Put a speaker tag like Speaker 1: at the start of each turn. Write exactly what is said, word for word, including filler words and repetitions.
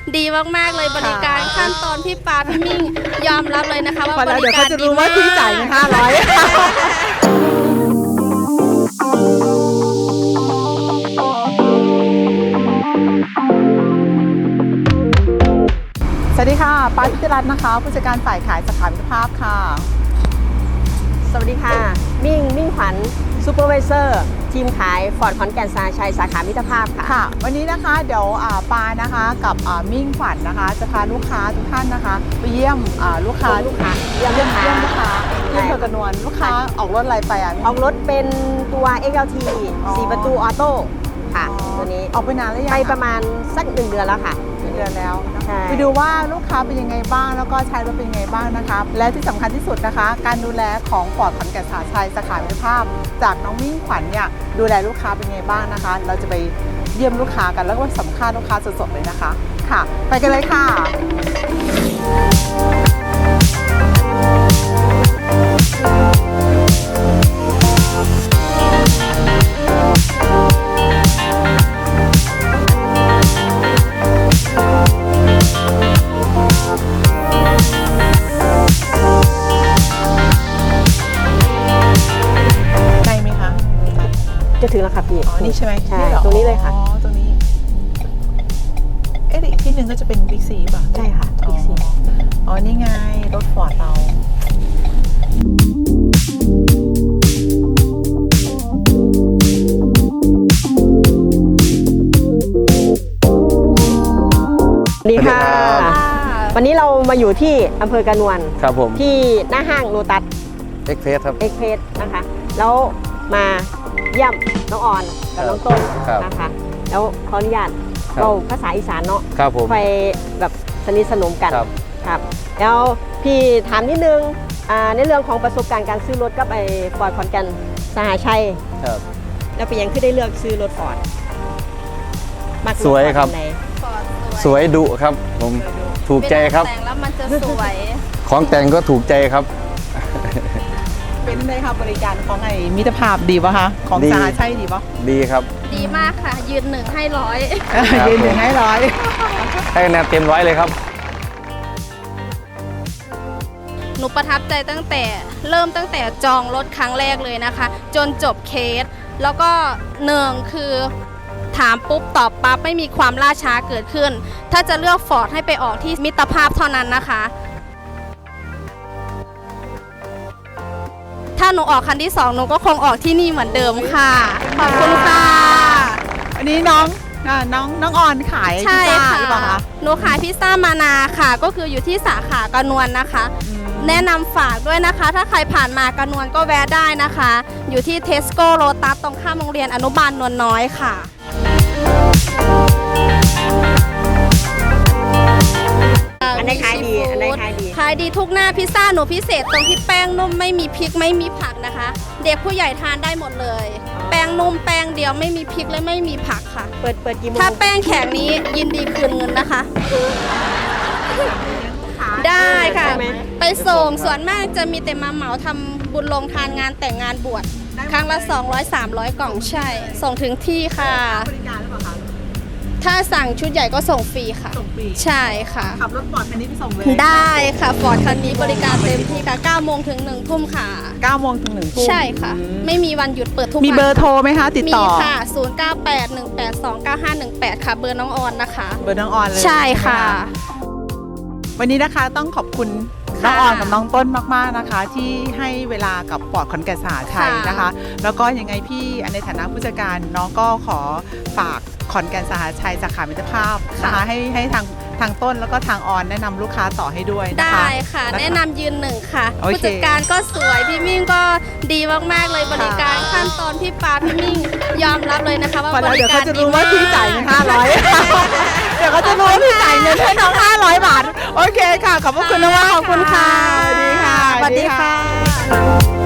Speaker 1: ดีมากๆเลยบริการขั้นตอนพี่ปาพี่มิ่งยอมรับเลยนะคะว่าบริการดีมาก
Speaker 2: เดี๋ยวเขาจะรู้ว่าพี่จ่ายเงินห้าร้อยสวัสดีค่ะปาพิจรัตน์นะคะผู้จัดการฝ่ายขายสาขามิตรภาพค่ะ
Speaker 3: สวัสดีค่ะมิ่งมิ่งขวัญซูเปอร์วิเซอร์ทีมขายฟอร์ดขอนแก่นสาชัยสาขามิตรภาพค่ะ
Speaker 2: ค่ะวันนี้นะคะเดี๋ยวปานะคะกับมิ่งขวัญนะคะจะพาลูกค้าทุกท่านนะคะไปเยี่ยมลูกค้า
Speaker 3: ลูกค้า
Speaker 2: เยี่ยมลูกค้าเยี่ยมลูกค้าเยี่ยมเธอกระนวลลูกค้าออกรถอะไรไปอ่ะ
Speaker 3: ออกรถเป็นตัว เอ็กซ์ แอล ที สี่ประตูออโต้ค่ะตัวนี้
Speaker 2: ออกไปนานแล้วยัง
Speaker 3: ไปประมาณสักหนึ่งเดือนแล้วค่ะ
Speaker 2: เดือนแล้วไปดูว่าลูกค้าเป็นยังไงบ้างแล้วก็ใช้รถเป็นยังไงบ้างนะคะและที่สำคัญที่สุดนะคะการดูแลของฟอร์ดขอนแก่นสาชัยสาขามิตรภาพจากน้องมิ่งขวัญเนี่ยดูแลลูกค้าเป็นยังไงบ้างนะคะเราจะไปเยี่ยมลูกค้ากันแล้วก็สัมภาษณ์ลูกค้าสดๆเลยนะคะค่ะไปกันเลยค่ะ
Speaker 3: จะถึงแล้วค่ะพี่
Speaker 2: อ๋อนี่ใช่ไหม
Speaker 3: ใช่ตรงนี้เลยค่ะ
Speaker 2: อ๋อตรงนี้เอ๊ะอีกที่หนึ่งก็จะเป็นบิ๊กซีป่ะ
Speaker 3: ใช่ค่ะบิ๊กซี
Speaker 2: อ๋อนี่ไงรถฟอร์ดเรา
Speaker 3: สวัสดีค่ะวันนี้เรามาอยู่ที่อำเภอกระนวล
Speaker 4: ครับผม
Speaker 3: ที่หน้าห้างโลตัส
Speaker 4: เอ็กเพสครับ
Speaker 3: เอ็กเพสนะคะแล้วมาเยี่ยมน้องออนกับน้องต้นนะคะแล้วขออนุญาตเราภาษาอีสานเนาะไปแบบสนิทสนมกันครับแล้วพี่ถามนิดนึงในเรื่องของประสบการณ์การซื้อรถกับไอ้ฟอร์ดขอนแก่นสหชัยแล้วเป็นยังที่ได้เลือกซื้อรถฟอร์ด
Speaker 4: สวยครับสวยดุครับผมถูกใจครับ
Speaker 1: แต่งแล้วมันจะสวย
Speaker 4: ของแต่งก็ถูกใจครับ
Speaker 2: เป็นไงครับบริการของไอ้มิตรภาพดีป่ะคะของสาชัยดีป่ะ
Speaker 4: ดีครับ
Speaker 1: ดีมากค่ะยืนหนึ่งให้ร้อย
Speaker 2: ยืนหนึ่งให้ร้อย
Speaker 4: ให้คะแนนเต็มร้อยเลยครับ
Speaker 1: หนูประทับใจตั้งแต่เริ่มตั้งแต่จองรถครั้งแรกเลยนะคะจนจบเคสแล้วก็หนึ่งคือถามปุ๊บตอบปั๊บไม่มีความล่าช้าเกิดขึ้นถ้าจะเลือกฟอร์ดให้ไปออกที่มิตรภาพเท่านั้นนะคะถ้าหนูออกคันที่สองหนูก็คงออกที่นี่เหมือนเดิมค่ะขอบคุณค่ะ
Speaker 2: อันนี้น้องน้องน้องออนขายพิซซ่าหรือเปล่าคะ
Speaker 1: หนูขายพิซซ่ามานาค่ะก็คืออยู่ที่สาขากระนวลนะคะแนะนำฝากด้วยนะคะถ้าใครผ่านมากระนวลก็แวะได้นะคะอยู่ที่เทสโก้โลตัสตรงข้ามโรงเรียนอนุบาลนวลน้อยค่ะ
Speaker 3: อันไหนขายดีอันไหนขายดี
Speaker 1: ขายดีทุกหน้าพิซซ่าหนูพิเศษตรงที่แป้งนุ่มไม่มีพริกไม่มีผักนะคะเด็กผู้ใหญ่ทานได้หมดเลยแป้งนุ่มแป้งเดียวไม่มีพริกและไม่มีผักค่ะ
Speaker 3: เปิดเปิดกี่โมง
Speaker 1: ถ้าแป้งแข็งนี้ยินดีคืนเงินนะคะได้ค่ะไปส่งส่วนมากจะมีแต่มาเหมาทำบุญลงทานงานแต่งงานบวชครั้งละสองร้อย สามร้อยกล่องใช่ส่งถึงที่ค่ะถ้าสั่งชุดใหญ่ก็ส่งฟรีค่ะใช่ค่ะ
Speaker 2: ขับรถฟอร์ดคันนี้ไปส่งเลย
Speaker 1: ได้ค่ะฟอร์ดคันนี้บริการเต็มที่ค่ะเก้าโมงถึงหนึ่งทุ่มค่ะ
Speaker 2: เก้าโมงถึงหนึ่งทุ่ม
Speaker 1: ใช่ค่ะไม่มีวันหยุดเปิดทุกวัน
Speaker 2: มีเบอร์โทรไหมคะติดต่อ
Speaker 1: มีค่ะศูนย์ เก้า แปด หนึ่ง แปด สอง เก้า ห้า หนึ่ง แปดค่ะเบอร์น้องออนนะคะ
Speaker 2: เบอร์น้องออนเลย
Speaker 1: ใช่ค่ะ
Speaker 2: วันนี้นะคะต้องขอบคุณน้องออนกับน้องต้นมากๆนะคะที่ให้เวลากับฟอร์ดขอนแก่นสาชัยนะคะแล้วก็ยังไงพี่ในฐานะผู้จัดการน้องก็ขอฝากขอนแก่นสหชัยสาขามิตรภาพนะคะให้ให้ทางทางต้นแล้วก็ทางออนแนะนำลูกค้าต่อให้ด้วยนะคะ
Speaker 1: ได้ค่ะแนะนำยืนหนึ่งค่ะผู้จัดการก็สวยพี่มิ่งก็ดีมากๆเลยบริการขั้นตอนพี่ปาพี่มิ่งยอมรับเลยนะคะว่าบริการดีมาก
Speaker 2: เดี๋ยวเขาจะรู้ว่าพี่จ่ายเงินห้าร้อยเดี๋ยวเขาจะรู้ว่าพี่จ่ายเงินให้น้องห้าร้อยบาทโอเคค่ะขอบคุณมากขอบคุณค่ะสวัสดีค่ะ
Speaker 1: สวัสดีค่ะ